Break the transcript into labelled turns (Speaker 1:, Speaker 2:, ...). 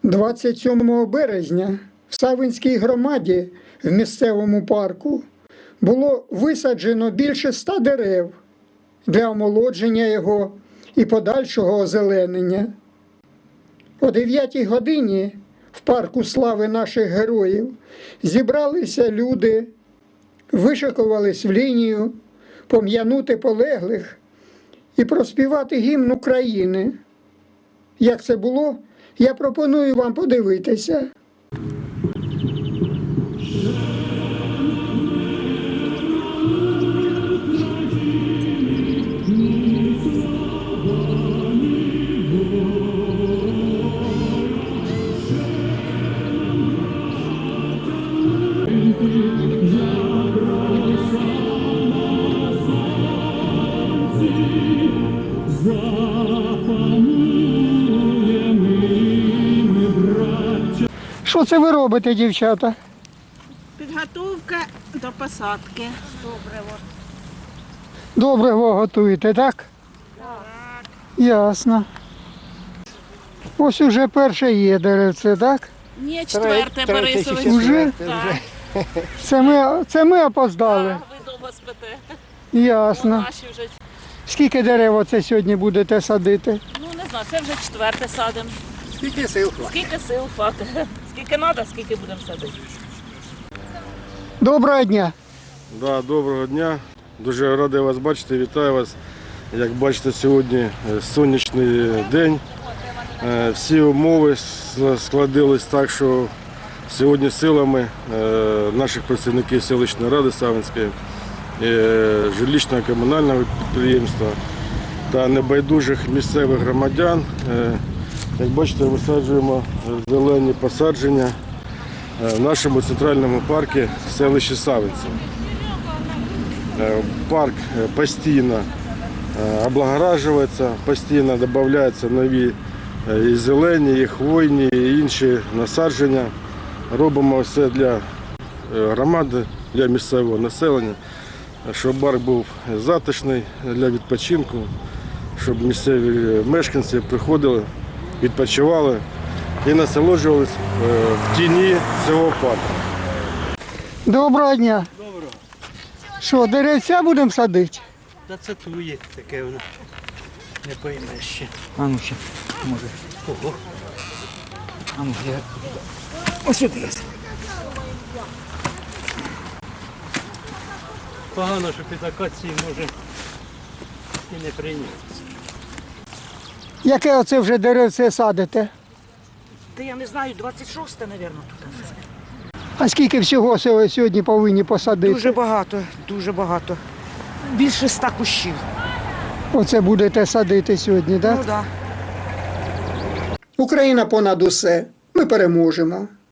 Speaker 1: 27 березня в Савинській громаді в місцевому парку було висаджено більше 100 дерев для омолодження його і подальшого озеленення. О 9 годині в парку слави наших героїв зібралися люди, вишикувались в лінію, пом'янути полеглих і проспівати гімн України. Як це було, я пропоную вам подивитися. Що це ви робите, дівчата?
Speaker 2: Підготовка до посадки.
Speaker 1: Добриво готуєте, так?
Speaker 2: Так.
Speaker 1: Ясно. Ось уже перше є деревце, так?
Speaker 2: Ні, четверте, Борисович.
Speaker 1: Уже?
Speaker 2: Так.
Speaker 1: Це ми опоздали.
Speaker 2: Ви довго спите.
Speaker 1: Ясно.
Speaker 2: Наші вже,
Speaker 1: Скільки дерев оце сьогодні будете садити?
Speaker 2: ну не знаю, це вже четверте садимо.
Speaker 3: Скільки сил хватить?
Speaker 2: Скільки сил хватить. Скільки треба, скільки будемо садити.
Speaker 1: Доброго дня.
Speaker 4: Да, доброго дня. Дуже радий вас бачити, вітаю вас. Як бачите, сьогодні сонячний день. Всі умови складились так, що сьогодні силами наших працівників селищної ради Савинської, жилищного комунального підприємства та небайдужих місцевих громадян, як бачите, висаджуємо зелені посадження в нашому центральному парку селищі Савинці. Парк постійно облагоражується, постійно додаються нові і зелені, і хвойні, і інші насадження. Робимо все для громади, для місцевого населення, щоб парк був затишний для відпочинку, щоб місцеві мешканці приходили, відпочивали і насолоджувалися в тіні цього парку.
Speaker 1: Доброго дня.
Speaker 3: Доброго.
Speaker 1: Що, деревця будемо садити?
Speaker 3: Та це твоє таке воно. Не поймеш ще. А ну ще, може. Ого. А ну, я... Ось сюди є. Погано, що під акації може і не прийнятися.
Speaker 1: Яке оце вже деревце садите?
Speaker 2: Та я не знаю, 26-те, мабуть, тут.
Speaker 1: А скільки всього сьогодні повинні посадити?
Speaker 5: Дуже багато. Більше 100 кущів.
Speaker 1: Оце будете садити сьогодні, так?
Speaker 5: Ну так.
Speaker 1: Україна понад усе. Ми переможемо.